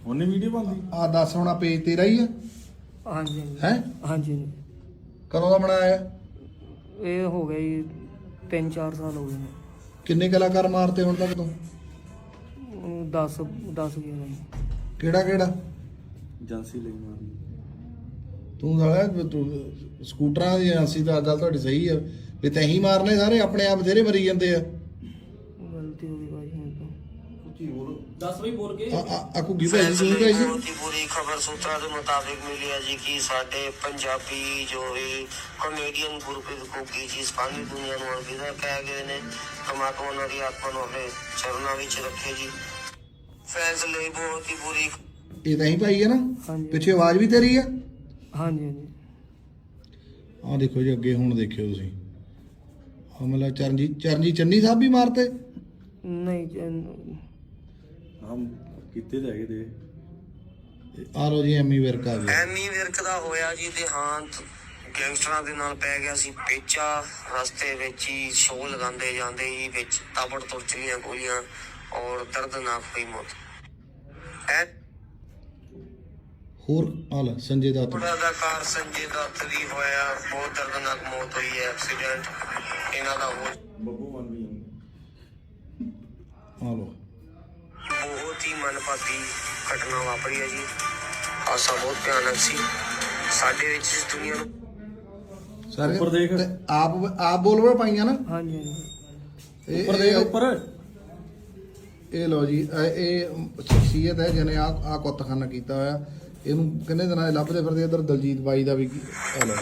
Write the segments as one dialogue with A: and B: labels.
A: ਉਹਨੇ ਵੀਡੀਓ ਬਣਦੀ
B: ਆ ਦੱਸ ਹੁਣ ਪੇਜ ਤੇਰਾ ਹੀ ਆ
C: ਹਾਂਜੀ
B: ਹੈ?
C: ਹਾਂਜੀ
B: ਕਦੋਂ ਦਾ ਬਣਾਇਆ ਆ?
C: ਇਹ ਹੋ ਗਿਆ ਜੀ 3-4 ਸਾਲ ਹੋ ਗਏ ਨੇ।
B: ਕਿੰਨੇ ਕਲਾਕਾਰ ਮਾਰਤੇ ਹੁਣ ਤੱਕ ਤੂੰ?
C: 10 ਗਿਆ ਜੀ।
B: ਕਿਹੜਾ ਕਿਹੜਾ?
A: ਏਜੰਸੀ ਲਈ ਮਾਰਨੀ।
B: ਤੂੰ ਸਾਲਾ ਤੂੰ ਸਕੂਟਰਾਂ ਦੀ ਏਜੰਸੀ ਦਾ ਗੱਲ ਤੁਹਾਡੀ ਸਹੀ ਆ ਵੀ ਤੈਂ ਮਾਰਨੇ ਸਾਰੇ ਆਪਣੇ ਆਪ ਬਥੇਰੇ ਮਰੀ ਜਾਂਦੇ ਆ।
C: ਗਲਤੀ ਹੋ ਗਈ ਭਾਈ ਹੁਣ ਤਾਂ।
A: ਦੱਸ ਬਈ ਬੋਲ ਕੇ
B: ਆ ਘੁੱਗੀ ਭਾਈ ਜੀ ਸੁਣ ਗਏ ਜੀ।
D: ਬਹੁਤ ਹੀ ਬੁਰੀ ਖਬਰ ਸੂਤਰਾਂ ਦੇ ਮੁਤਾਬਿਕ ਮਿਲੀ ਹੈ ਜੀ ਕਿ ਸਾਡੇ ਪੰਜਾਬੀ ਜੋ ਵੀ ਕਾਮੇਡੀਅਨ ਗੁਰਪ੍ਰੀਤ ਘੁੱਗੀ ਜੀ ਸਾਰੀ ਦੁਨੀਆ ਨੂੰ ਅਲਵਿਦਾ ਕਹਿ ਗਏ ਨੇ। ਪਰਮਾਤਮਾ ਉਹਨਾਂ ਦੀ ਆਤਮਾ ਨੂੰ ਆਪਣੇ ਚਰਨਾਂ ਵਿੱਚ ਰੱਖੇ ਜੀ। ਫੈਨਸ ਲਈ ਬਹੁਤ ਹੀ ਬੁਰੀ।
B: ਇਹ ਤਾਂ ਹੀ ਭਾਈ ਹੈ ਨਾ?
C: ਹਾਂਜੀ
B: ਪਿੱਛੇ ਆਵਾਜ਼ ਵੀ ਤੇਰੀ ਆ?
C: ਹਾਂਜੀ
B: ਆ ਦੇਖੋ ਜੀ ਅੱਗੇ ਹੁਣ ਦੇਖਿਓ ਤੁਸੀਂ ਆ ਮਤਲਬ ਚਰਨਜੀਤ ਚੰਨੀ ਸਾਹਿਬ ਵੀ ਮਾਰਤੇ।
C: ਨਹੀਂ
A: ਹਮ ਕਿਤੇ ਲੈ ਗਏ ਦੇ
B: ਆ ਲੋ ਜੀ ਐਮੀ ਵਿਰਕ ਆ ਗਿਆ।
D: ਐਮੀ ਵਿਰਕ ਦਾ ਹੋਇਆ ਜੀ ਦੇਹਾਂਤ। ਗੈਂਗਸਟਰਾਂ ਦੇ ਨਾਲ ਪੈ ਗਿਆ ਸੀ ਪੇਚਾ। ਰਸਤੇ ਵਿੱਚ ਹੀ ਸ਼ੋਅ ਲਗਾਉਂਦੇ ਜਾਂਦੇ ਹੀ ਵਿੱਚ ਤਾਬੜ ਤੋੜ ਚਲੀਆਂ ਗੋਲੀਆਂ ਔਰ ਦਰਦਨਾਕ ਹੋਈ ਮੌਤ।
B: ਹੋਰ ਆ ਲੈ ਸੰਜੇ ਦੱਤ।
D: ਅਦਾਕਾਰ ਸੰਜੇ ਦੱਤ ਦੀ ਹੋਇਆ ਬਹੁਤ ਦਰਦਨਾਕ ਮੌਤ ਹੋਈ ਹੈ। ਐਕਸੀਡੈਂਟ ਇਹਨਾਂ ਦਾ ਹੋ
A: ਬੱਬੂ ਮਨ ਵੀ
B: ਆ ਲੋ
D: ਬਹੁਤ ਹੀ ਮਨਪਾਤੀ ਘਟਨਾ ਵਾਪਰੀ ਹੈ ਜੀ। ਹਾਦਸਾ ਬਹੁਤ ਭਿਆਨਕ ਸੀ। ਸਾਡੇ ਵਿੱਚ ਇਸ ਦੁਨੀਆ ਨੂੰ
B: ਸਾਰੇ
A: ਉੱਪਰ ਦੇਖ।
B: ਤੇ ਆਪ ਬੋਲਵਾ ਪਾਈਆਂ ਨਾ।
C: ਹਾਂਜੀ
A: ਉੱਪਰ ਦੇਖ ਉੱਪਰ।
B: ਇਹ ਲੋ ਜੀ ਇਹ ਸ਼ਖਸੀਅਤ ਹੈ ਜਿਹਨੇ ਆ ਕੁੱਤਖਾਨਾ ਕੀਤਾ ਹੋਇਆ। ਇਹਨੂੰ ਕਿੰਨੇ ਦਿਨਾਂ ਦੇ ਲੱਭਦੇ ਫਿਰਦੇ। ਇੱਧਰ ਦਲਜੀਤ ਬਾਈ ਦਾ ਵੀ ਆ ਲੋ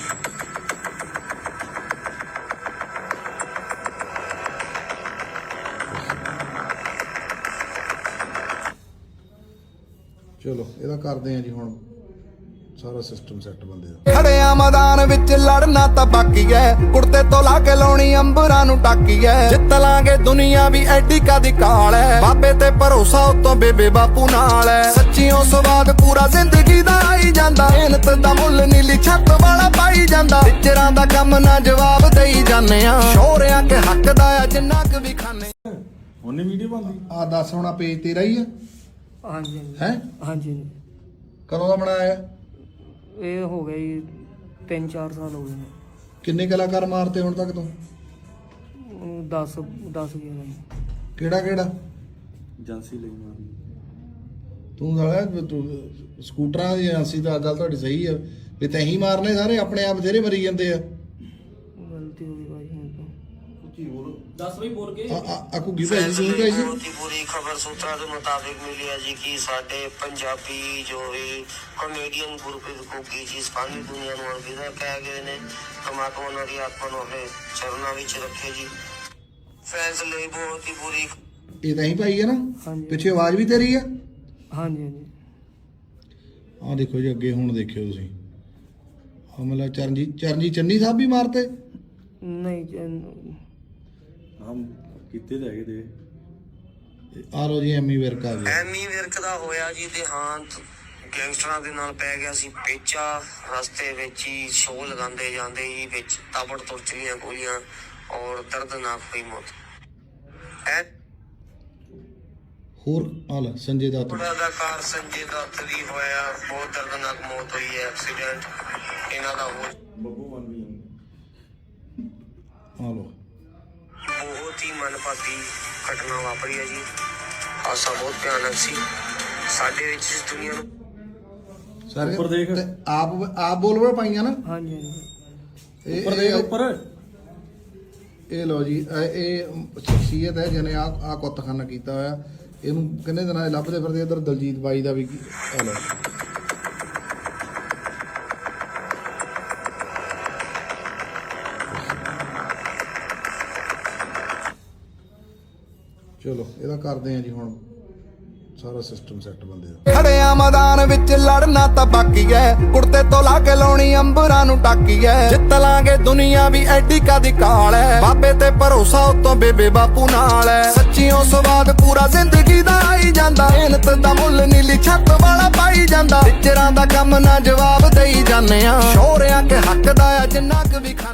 B: ਚਲੋ ਇਹਦਾ ਕਰਦੇ ਆ ਜੀ ਹੁਣ ਸਾਰਾ ਸਿਸਟਮ ਸੈੱਟ ਬੰਦੇ ਦਾ।
E: ਖੜਿਆ ਮੈਦਾਨ ਵਿੱਚ ਲੜਨਾ ਤਾਂ ਬਾਕੀ ਐ। ਕੁੜਤੇ ਤੋਂ ਲਾ ਕੇ ਲਾਉਣੀ ਅੰਬਰਾਂ ਨੂੰ ਟਾਕੀ ਐ। ਜਿੱਤ ਲਾਂਗੇ ਦੁਨੀਆ ਵੀ ਐਡੀ ਕਾਦੀ ਕਾਲ ਐ। ਬਾਬੇ ਤੇ ਭਰੋਸਾ ਉਤੋਂ ਬੇਬੇ ਬਾਪੂ ਨਾਲ ਐ। ਸੱਚੀਓ ਸਵਾਦ ਪੂਰਾ ਜ਼ਿੰਦਗੀ ਦਾ ਆਈ ਜਾਂਦਾ। ਮਿਹਨਤ ਦਾ ਮੁੱਲ ਨੀਲੀ ਛੱਤ ਵਾਲਾ ਪਾਈ ਜਾਂਦਾ। ਟੀਚਰਾਂ ਦਾ ਕੰਮ ਨਾ ਜਵਾਬ ਦੇਈ ਜਾਂਦੇ ਆ। ਸ਼ੋਰਿਆਂ ਕੇ ਹੱਕ ਦਾ ਆ ਜਿੰਨਾ ਕੁ ਵੀ ਖਾਨੇ।
A: ਉਹਨੇ ਵੀਡੀਓ ਬਣਦੀ
B: ਆ ਦੱਸ ਹੁਣ ਪੇਜ ਤੇਰਾ ਹੀ ਆ
C: ਹਾਂਜੀ
B: ਹੈ?
C: ਹਾਂਜੀ
B: ਕਦੋਂ ਦਾ ਬਣਾਇਆ ਆ?
C: ਇਹ ਹੋ ਗਿਆ ਜੀ 3-4 ਸਾਲ ਹੋ ਗਏ ਨੇ।
B: ਕਿੰਨੇ ਕਲਾਕਾਰ ਮਾਰਤੇ ਹੁਣ ਤੱਕ ਤੂੰ?
C: 10 ਗਿਆ ਜੀ।
B: ਕਿਹੜਾ ਕਿਹੜਾ?
A: ਏਜੰਸੀ ਲਈ ਮਾਰਨੀ।
B: ਤੂੰ ਸਾਲਾ ਤੂੰ ਸਕੂਟਰਾਂ ਦੀ ਏਜੰਸੀ ਦਾ ਗੱਲ ਤੁਹਾਡੀ ਸਹੀ ਆ ਵੀ ਤੈਂ ਮਾਰਨੇ ਸਾਰੇ ਆਪਣੇ ਆਪ ਬਥੇਰੇ ਮਰੀ ਜਾਂਦੇ ਆ।
C: ਗਲਤੀ ਹੋ ਗਈ ਭਾਈ ਹੁਣ ਤਾਂ।
A: ਦੱਸ ਬਈ ਬੋਲ ਕੇ
B: ਆ ਘੁੱਗੀ ਭਾਈ ਜੀ ਸੁਣ ਗਏ ਜੀ।
D: ਬਹੁਤ ਹੀ ਬੁਰੀ ਖਬਰ ਸੂਤਰਾਂ ਦੇ ਮੁਤਾਬਿਕ ਮਿਲੀ ਹੈ ਜੀ ਕਿ ਸਾਡੇ ਪੰਜਾਬੀ ਜੋ ਵੀ ਕਾਮੇਡੀਅਨ ਗੁਰਪ੍ਰੀਤ ਘੁੱਗੀ ਜੀ ਸਾਰੀ ਦੁਨੀਆ ਨੂੰ ਅਲਵਿਦਾ ਕਹਿ ਗਏ ਨੇ। ਪਰਮਾਤਮਾ ਉਹਨਾਂ ਦੀ ਆਤਮਾ ਨੂੰ ਆਪਣੇ ਚਰਨਾਂ ਵਿੱਚ ਰੱਖੇ ਜੀ। ਫੈਨਸ ਲਈ ਬਹੁਤ ਹੀ ਬੁਰੀ।
B: ਇਹ ਤਾਂ ਹੀ ਭਾਈ ਹੈ ਨਾ?
C: ਹਾਂਜੀ
B: ਪਿੱਛੇ ਆਵਾਜ਼ ਵੀ ਤੇਰੀ ਆ?
C: ਹਾਂਜੀ
B: ਆ ਦੇਖੋ ਜੀ ਅੱਗੇ ਹੁਣ ਦੇਖਿਓ ਤੁਸੀਂ ਆ ਮਤਲਬ ਚਰਨਜੀਤ ਚੰਨੀ ਸਾਹਿਬ ਵੀ ਮਾਰਤੇ।
C: ਨਹੀਂ
A: ਹਮ ਕਿਤੇ ਲੈ ਗਏ ਦੇ
B: ਆ ਲੋ ਜੀ ਐਮੀ ਵਿਰਕ ਆ ਗਿਆ।
D: ਐਮੀ ਵਿਰਕ ਦਾ ਹੋਇਆ ਜੀ ਦੇਹਾਂਤ। ਗੈਂਗਸਟਰਾਂ ਦੇ ਨਾਲ ਪੈ ਗਿਆ ਸੀ ਪੇਚਾ। ਰਸਤੇ ਵਿੱਚ ਹੀ ਸ਼ੋਅ ਲਗਾਉਂਦੇ ਜਾਂਦੇ ਹੀ ਵਿੱਚ ਤਾਬੜ ਤੋੜ ਚਲੀਆਂ ਗੋਲੀਆਂ ਔਰ ਦਰਦਨਾਕ ਹੋਈ ਮੌਤ।
B: ਹੋਰ ਆ ਲੈ ਸੰਜੇ ਦੱਤ।
D: ਅਦਾਕਾਰ ਸੰਜੇ ਦੱਤ ਦੀ ਹੋਇਆ ਬਹੁਤ ਦਰਦਨਾਕ ਮੌਤ ਹੋਈ ਹੈ। ਐਕਸੀਡੈਂਟ ਇਹਨਾਂ ਦਾ ਹੋ
A: ਬੱਬੂ ਮਨ ਵੀ
B: ਆ ਲੋ
D: ਬਹੁਤ ਹੀ ਮਨਪਾਤੀ ਘਟਨਾ ਵਾਪਰੀ ਹੈ ਜੀ। ਹਾਦਸਾ ਬਹੁਤ ਭਿਆਨਕ ਸੀ। ਸਾਡੇ ਵਿੱਚ ਇਸ ਦੁਨੀਆ ਨੂੰ
B: ਸਾਰੇ
A: ਉੱਪਰ ਦੇਖ।
B: ਤੇ ਆਪ ਬੋਲਵਾ ਪਾਈਆਂ ਨਾ।
C: ਹਾਂਜੀ
A: ਉੱਪਰ ਦੇਖ ਉੱਪਰ।
B: ਇਹ ਲੋ ਜੀ ਇਹ ਸ਼ਖਸੀਅਤ ਹੈ ਜਿਹਨੇ ਆ ਕੁੱਤਖਾਨਾ ਕੀਤਾ ਹੋਇਆ। ਇਹਨੂੰ ਕਿੰਨੇ ਦਿਨਾਂ ਦੇ ਲੱਭਦੇ ਫਿਰਦੇ। ਇੱਧਰ ਦਲਜੀਤ ਬਾਈ ਦਾ ਵੀ ਆ ਲੋ ਚਲੋ ਇਹਦਾ ਕਰਦੇ ਆ ਜੀ ਹੁਣ ਸਾਰਾ ਸਿਸਟਮ ਸੈੱਟ ਬੰਦੇ ਦਾ।
E: ਖੜਿਆ ਮੈਦਾਨ ਵਿੱਚ ਲੜਨਾ ਤਾਂ ਬਾਕੀ ਐ। ਕੁੜਤੇ ਤੋਂ ਲਾ ਕੇ ਲਾਉਣੀ ਅੰਬਰਾਂ ਨੂੰ ਟਾਕੀ ਐ। ਜਿੱਤ ਲਾਂਗੇ ਦੁਨੀਆ ਵੀ ਐਡੀ ਕਾਦੀ ਕਾਲ ਐ। ਬਾਬੇ ਤੇ ਭਰੋਸਾ ਉਤੋਂ ਬੇਬੇ ਬਾਪੂ ਨਾਲ ਐ। ਸੱਚੀਓ ਸਵਾਦ ਪੂਰਾ ਜ਼ਿੰਦਗੀ ਦਾ ਆਈ ਜਾਂਦਾ। ਮਿਹਨਤ ਦਾ ਮੁੱਲ ਨੀਲੀ ਛੱਤ ਵਾਲਾ ਪਾਈ ਜਾਂਦਾ। ਟੀਚਰਾਂ ਦਾ ਕੰਮ ਨਾ ਜਵਾਬ ਦੇਈ ਜਾਂਦੇ ਆ। ਸ਼ੋਰਿਆਂ ਕੇ ਹੱਕ ਦਾ ਆ ਜਿੰਨਾ ਕੁ ਵੀ